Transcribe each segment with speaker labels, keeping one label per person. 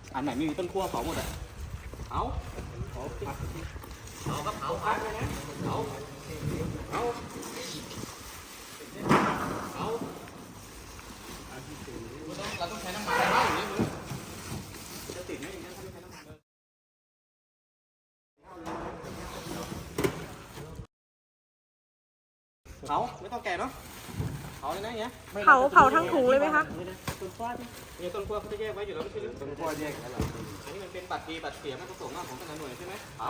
Speaker 1: อันไหนไม่มีต้นขั้วเผาหมดอ่ะเอาก็เผาไปนะเอาเราต้องใช้น้ำมันบ้างอย่างนี้มึงจะติดไหมอย่างนี้ถ้าไม่ใช้น้ำมันเผาไม่ต้องแก่เนาะเผาเลยนะอย่างเงี้ย
Speaker 2: เผาทั้งถุงเลยไหมคะ
Speaker 1: ต้นขั้วนี่ต้นขั้วเขาจะแยกไว้อยู่แล้วไม่ใช่หรือต้นขั้วแยกแล้วอันนี้มันเป็นบัตรดีบัตรเสียไม่ประสงค์ของแต่ละหน่วยใช่ไหมเผา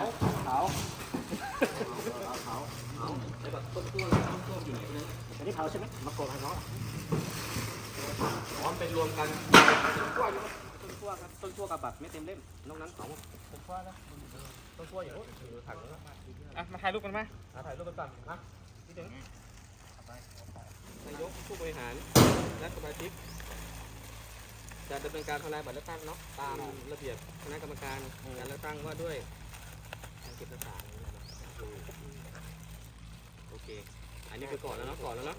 Speaker 1: ไอ้บัตรต้นขั้วอยู่ไหนเนี่ยอันนี้เผาใช่ไหมมาโกงให้น้องพร้อมเป็นรวมกันต้นขั้วครับต้นขั้วกับบัตรไม่เต็มเล่มนอกนั้นสองต้นขั้วนะต้นขั้วอย่างนู้นอยู่ถังแล้วมาถ่ายรูปกันไหมถ่ายรูปกันก่อนนะที่ถึงนายกผู้บริหารและสมาชิกจะดำเนินการทำลายบัตรเลือกตั้งเนาะตามระเบียบคณะกรรมการการเลือกตั้งว่าด้วยการเก็บเอกสารโอเคอันนี้คือก่อนแล้วเนาะ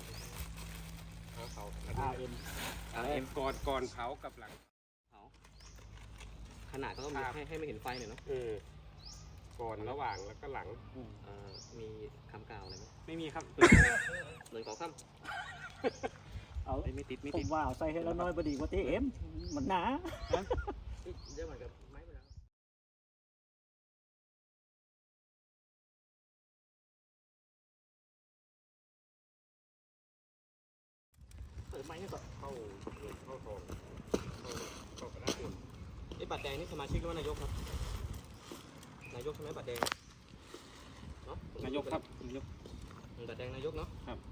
Speaker 1: เขาRM
Speaker 3: ก่อนเผากับหลัง
Speaker 1: เผาขนาดก็ต้องมีให้ไม่เห็นไฟหน่อยเนาะ
Speaker 3: ก่อนระหว่างแล้วก็หลัง
Speaker 1: มีคำกล่าวอะไรไหม
Speaker 3: ไม่มีครับ
Speaker 1: เหมือนขอคำ
Speaker 4: เอาไม่ติดผมว่าเอาใส่ให้แล้วน้อยพอดีกว่าที่เอ็มมันหนา
Speaker 1: เยอะเหมือนกับไม้ไปแล้วเปิดไม้นี่ก่อน
Speaker 3: เข้าทองเข้ากระดาษ
Speaker 1: ไอ้บัตรแดงนี่สมาชิกหรือว่านายกครับนายกใช่ไหมบัตรแดงเนาะ
Speaker 3: นายกครับนายก
Speaker 1: บัตรแดงนายกเนาะ
Speaker 3: ครับ